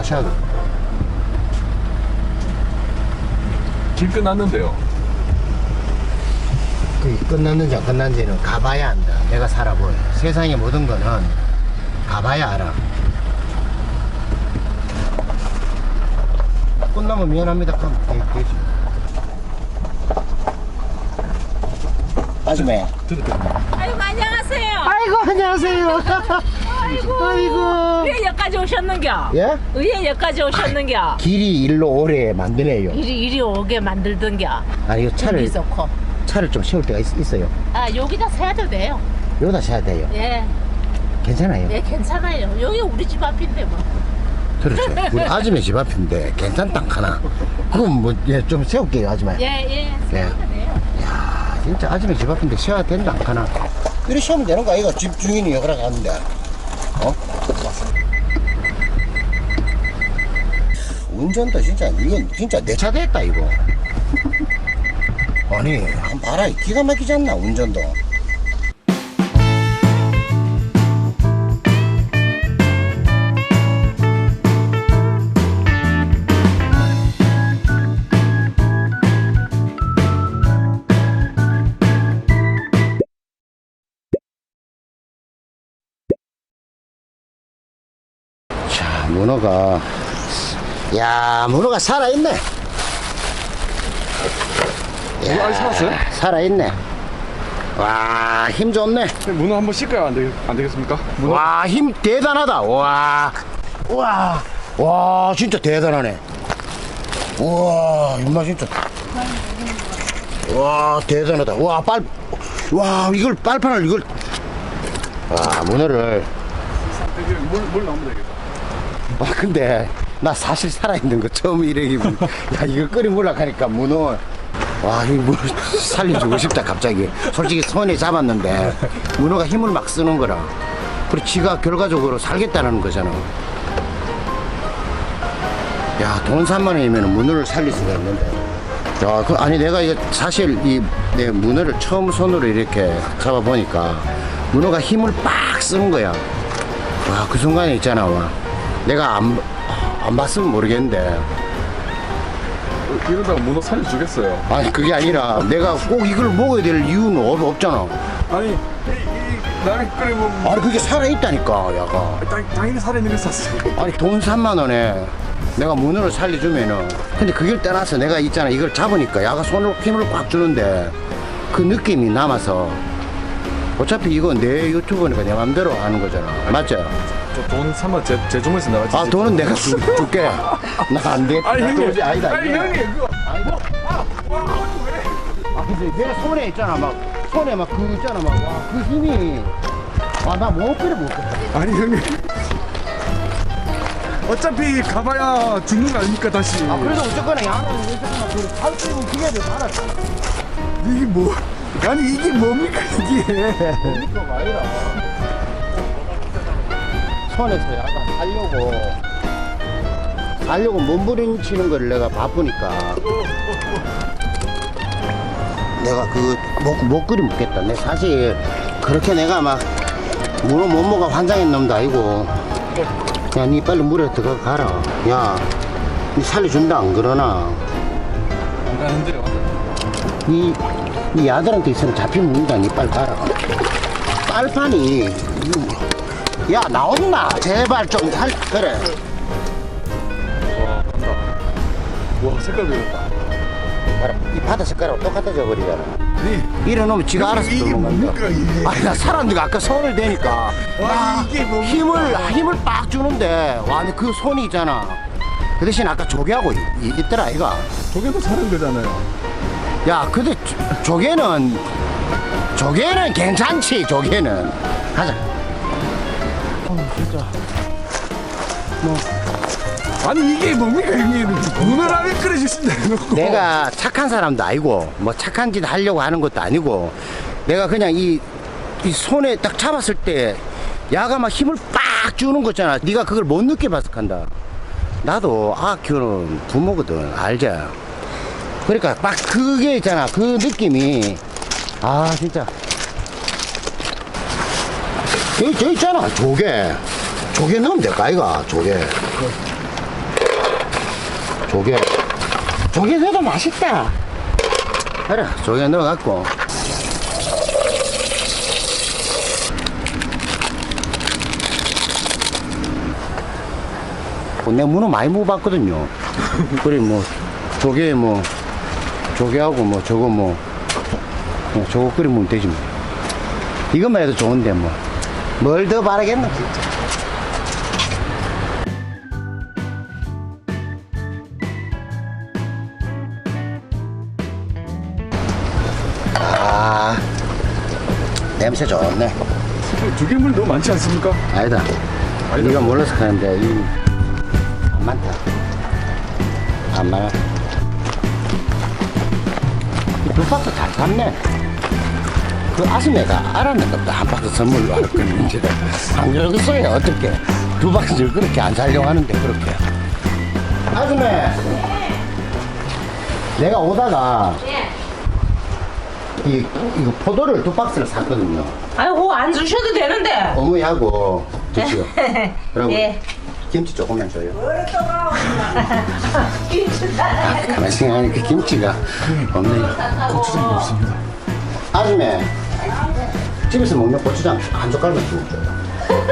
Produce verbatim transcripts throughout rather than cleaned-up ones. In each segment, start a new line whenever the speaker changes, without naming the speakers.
하셔야 돼.
길 끝났는데요.
그게 끝났는지 안 끝났는지는 가봐야 안다. 내가 살아보여. 세상의 모든 거는 가봐야 알아. 끝나면 미안합니다. 그럼 되- 되지. 아줌마.
아이고 안녕하세요.
아이고 안녕하세요.
아이고.
아이고.
왜 여기까지 오셨는겨?
예?
왜 여기까지 오셨는겨?
길이 일로 오래 만드네요.
이리 이리 오게 만들던겨.
아 이거 차를
여기 좋고.
차를 좀 세울 때가 있, 어요
아 여기다 세도 돼요.
여기다 세야 돼요.
예,
괜찮아요.
예 괜찮아요. 여기 우리 집 앞인데 뭐.
그렇죠. 우리 아줌마 집 앞인데 괜찮다 하나. 그럼 뭐좀 세울게요 아줌마.
예, 예. 세도 돼요.
야 진짜 아줌마 집 앞인데 세워야 된다 안 하나. 이렇게 세우면 되는 거 아이가 집 주인이 여기라 가는데. 어? 운전도 진짜 이건 진짜 내 차 됐다 이거. 아니 한번 봐라 기가 막히지 않나 운전도. 자 문어가 야 문어가 살아있네.
이거 아직 살았어요?
살아있네. 와, 힘 좋네.
문어 한번 씻어야 안, 되겠, 안 되겠습니까? 문어?
와, 힘 대단하다. 와, 와, 와, 진짜 대단하네. 와, 임마 진짜. 와, 대단하다. 와, 빨, 와, 이걸 빨판을 이걸. 와, 문어를.
이게 물, 물 넣으면 되겠다.
와, 근데 나 사실 살아있는 거 처음 이래기. 야, 이거 끓이 물락 하니까 문어. 와, 이 문어 살려주고 싶다, 갑자기. 솔직히 손에 잡았는데, 문어가 힘을 막 쓰는 거라. 그리고 지가 결과적으로 살겠다는 거잖아. 야, 돈 삼만 원이면 문어를 살릴 수가 있는데. 야, 그, 아니, 내가 이거 사실 이, 내 문어를 처음 손으로 이렇게 잡아보니까, 문어가 힘을 빡 쓰는 거야. 와, 그 순간에 있잖아, 와. 내가 안, 안 봤으면 모르겠는데.
이러다가 문어 살려주겠어요.
아니 그게 아니라 내가 꼭 이걸 먹어야 될 이유는 없, 없잖아.
아니, 이, 이, 나를 끓이면.
아니 그게 살아있다니까 야가.
당, 당연히 살아있는 게 샀어요.
아니 돈 삼만 원에 내가 문어를 살려주면은 근데 그걸 떠나서 내가 있잖아 이걸 잡으니까 야가 손으로 힘을 꽉 주는데 그 느낌이 남아서 어차피 이거 내 유튜브니까 내 맘대로 하는 거잖아. 맞죠?
저 돈 삼만 제, 제 주머니에서 나가지.
아 돈은 내가 줄, 줄게. 나 안 돼.
아니, 형님.
도저히 아니다.
아니,
이거.
형님. 그거.
아니다.
아, 와, 그거 왜?
아 근데 내가 손에 있잖아 막 손에 막 그 있잖아 막 와 그 힘이 와 나 못 끓여 못 끓여.
아니, 형님. 어차피 가봐야 죽는 거 아닙니까, 다시.
아 그래도 어쨌거나 야는 어쨌거나 그 살찌고 기계를 알았어.
이게 뭐. 아니, 이게 뭡니까, 이게.
그러니까 말이라. 손에서 약간 살려고 살려고 몸부림치는 걸 내가 바쁘니까 내가 그못 못 끓여 먹겠다. 내 사실 그렇게 내가 막 문어 못 먹어 환장한 놈도 아니고 야 니 빨리 물에 들어가 가라. 야 니 살려준다 안 그러나
안 가는데요.
니, 니 아들한테 있으면 잡히면 문다. 니 빨리 가라. 빨판이 야 나온나 제발 좀 살 그래.
와, 간다. 와, 색깔 변했다.
봐라 이 바다 색깔하고 똑같아져 버리잖아.
아니,
이래놓으면 지가 알아서
이게
들어간
뭡니까,
건다.
이게?
아니 나 사람들이 아까 손을 대니까
와, 이게 뭡니까?
힘을 힘을 빡 주는데 와 근데 그 손이 있잖아. 그 대신 아까 조개하고 이- 이- 있더라 이가.
저게도 사는 거잖아요.
야 근데 조- 조개는 조개는 괜찮지. 조개는 가자. 어 진짜 뭐
아니, 이게 뭡니까, 형님. 문어라면 끓여주신다 해놓고.
내가 착한 사람도 아니고 뭐 착한 짓 하려고 하는 것도 아니고 내가 그냥 이, 이 손에 딱 잡았을 때 야가 막 힘을 빡 주는 거잖아. 네가 그걸 못 느껴봐서 한다. 나도 아 키우는 부모거든 알자. 그러니까 막 그게 있잖아 그 느낌이 아 진짜 여기 저 있잖아 조개 조개 넣으면 될까 이가 조개 조개. 조개 넣어도 맛있다. 그래, 조개 넣어갖고. 내가 문어 많이 먹어봤거든요. 그래, 뭐, 조개, 뭐, 조개하고 뭐, 저거 뭐, 뭐 저거 끓여 먹으면 되지 뭐. 이것만 해도 좋은데 뭐. 뭘 더 바라겠노, 진짜. 아, 냄새 좋네.
조개물 너무 많지 않습니까?
아니다.
아니다.
네가 몰라서 하는데, 이, 안 많다. 안 많아. 두 박스 잘 샀네. 그 아줌매가 알았는 것도 한 박스 선물로 할 거는 이제 안 그러겠어요. 어떻게 두 박스를 그렇게 안 살려고 하는데 그렇게. 아줌매. 내가 오다가 이 이거 포도를 두 박스를 샀거든요.
아이고 안 주셔도 되는데.
어머니하고 드시오. 그리고
예.
김치 조금만 줘요. 아, 가만히 생각하니 그 김치가 없네요.
고추장이 없습니다.
아줌매, 집에서 먹는 고추장 한 젓갈만 주고 줘요.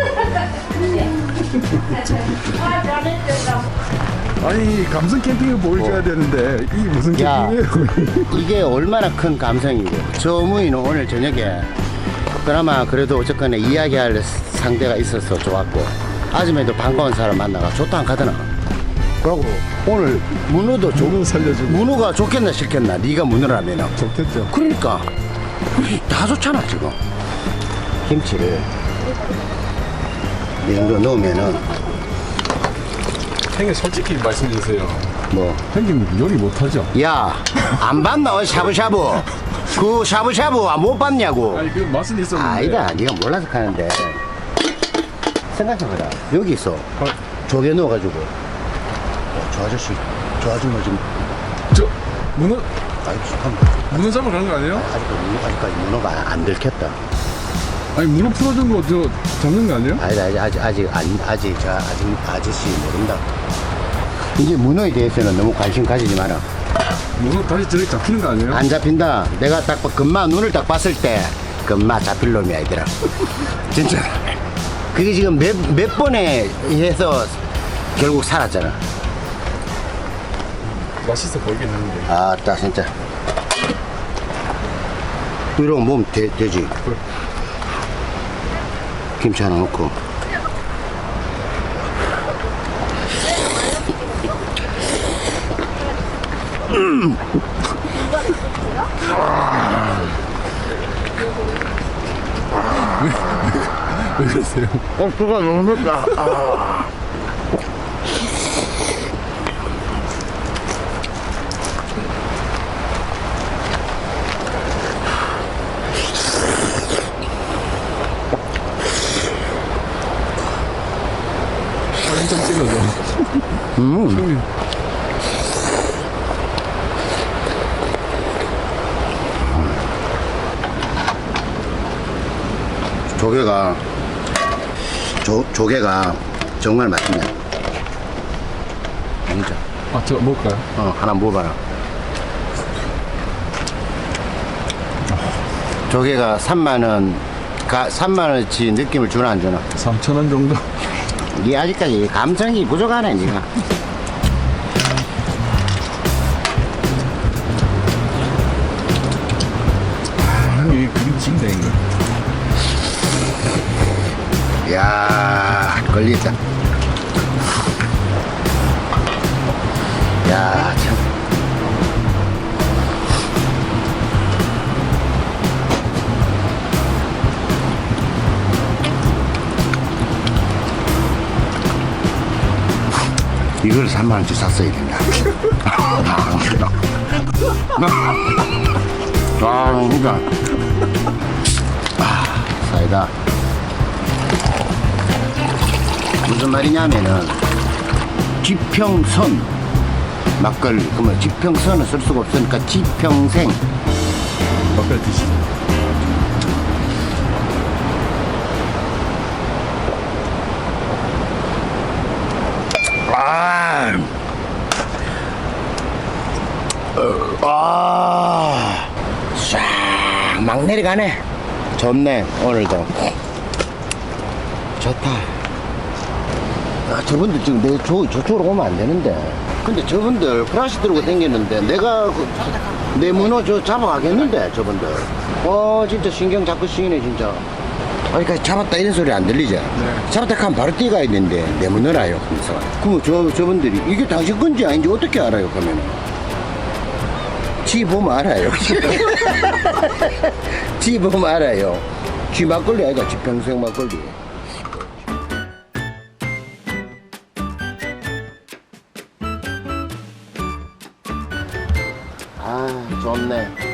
아니 감성 캠핑을 보여줘야 되는데 이 무슨
야.
캠핑이에요?
이게 얼마나 큰 감성이고. 저 어머니는 오늘 저녁에 그나마 그래도 어쨌거나 이야기할 상대가 있어서 좋았고, 아줌매도 반가운 사람 만나가 좋다 안 가더나. 그러고 오늘 문어도 좋,
문어 살려주고.
문어가 좋겠나 싫겠나. 네가 문어라면.
좋겠죠.
그러니까 다 좋잖아 지금. 김치를 이 정도 넣으면은
형님 솔직히 말씀해주세요.
뭐,
형님 요리 못하죠?
야, 안 봤나? 어, 샤브샤브. 그 샤브샤브 못 봤냐고.
아니 그 맛은 있었는데.
아니다, 네가 몰라서 하는데. 생각해봐라. 여기서 조개 넣어가지고. 어, 저 아저씨, 저 아줌마 지금
저 문어
아이고 잠깐만.
문어 잡으러 가는 거 아니에요?
아직까지 문어, 아직까지 문어가 안, 안 들켰다.
아니 문어 풀어준 거 저 잡는 거 아니에요?
아니다, 아직 아직 아직 안, 아직 저 아직 아저씨 모른다. 이제 문어에 대해서는 너무 관심 가지지 마라.
문어 다시 저렇게 잡히는 거 아니에요?
안 잡힌다. 내가 딱 봐- 금마 눈을 딱 봤을 때 금마 잡힐 놈이 아니더라. 진짜. 그게 지금 몇, 몇 번에 해서 결국 살았잖아.
맛있어 보이긴 하는데.
아따 진짜. 이러고 몸 되, 되지. 김치 하나 넣고. 음.
왜 그러세요?
어, 그거 너무 맵다. 아.
사진 좀 찍어줘.
음.
형님.
조개가 조, 조개가 정말 맛있네. 진짜.
아, 저 먹을까요?
어, 하나 먹어봐라. 조개가 삼만 원, 가, 삼만 원치 느낌을 주나 안 주나?
삼천 원 정도.
니 아직까지 감성이 부족하네, 니가.
형님 이게 그림 징대인 거.
야, 걸리다. 야, 참. 이걸 삼만 원치 샀어야 된다. 아, 그러니까. 아, 사이다. 무슨 말이냐면은, 지평선. 막걸리. 그러면 지평선은 쓸 수가 없으니까 지평생.
막걸리 드시죠.
아, 내려가네. 좋네, 오늘도. 좋다. 아, 저분들 지금 내 저, 저쪽으로 오면 안 되는데. 근데 저분들 프라시 들고 다녔는데 내가 그, 내 문어 저 잡아가겠는데, 저분들. 어, 진짜 신경 자꾸 쓰이네, 진짜. 아니,까지 잡았다 이런 소리 안 들리죠?
네.
잡았다 하면 바로 뛰어가야 되는데, 내 문어라요, 하면서. 그럼 저, 저분들이 이게 당신 건지 아닌지 어떻게 알아요, 그러면? 지 보면 알아요. 지 보면 알아요. 지 막걸리 아니다, 지 평생 막걸리. 아, 좋네.